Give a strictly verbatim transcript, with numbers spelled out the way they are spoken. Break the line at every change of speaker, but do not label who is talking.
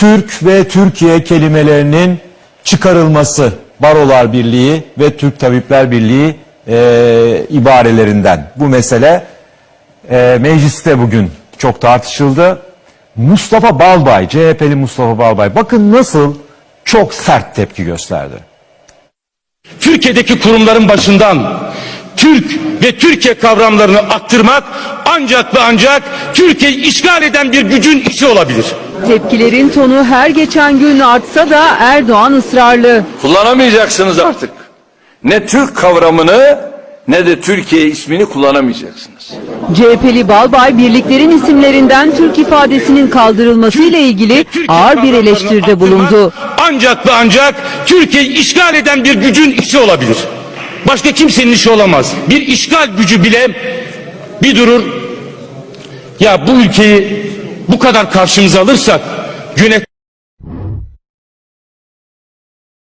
Türk ve Türkiye kelimelerinin çıkarılması, Barolar Birliği ve Türk Tabipler Birliği e, ibarelerinden. Bu mesele e, mecliste bugün çok tartışıldı. Mustafa Balbay, C H P'li Mustafa Balbay, bakın nasıl çok sert tepki gösterdi.
Türkiye'deki kurumların başından Türk ve Türkiye kavramlarını attırmak ancak ve ancak Türkiye'yi işgal eden bir gücün işi olabilir.
Tepkilerin tonu her geçen gün artsa da Erdoğan ısrarlı.
Kullanamayacaksınız artık. Ne Türk kavramını ne de Türkiye ismini kullanamayacaksınız.
C H P'li Balbay birliklerin isimlerinden Türk ifadesinin kaldırılması ile ilgili ağır bir eleştiride bulundu.
Ancak ve ancak Türkiye'yi işgal eden bir gücün işi olabilir. Başka kimsenin işi olamaz. Bir işgal gücü bile bir durur. Ya bu ülkeyi bu kadar karşımıza alırsak yönet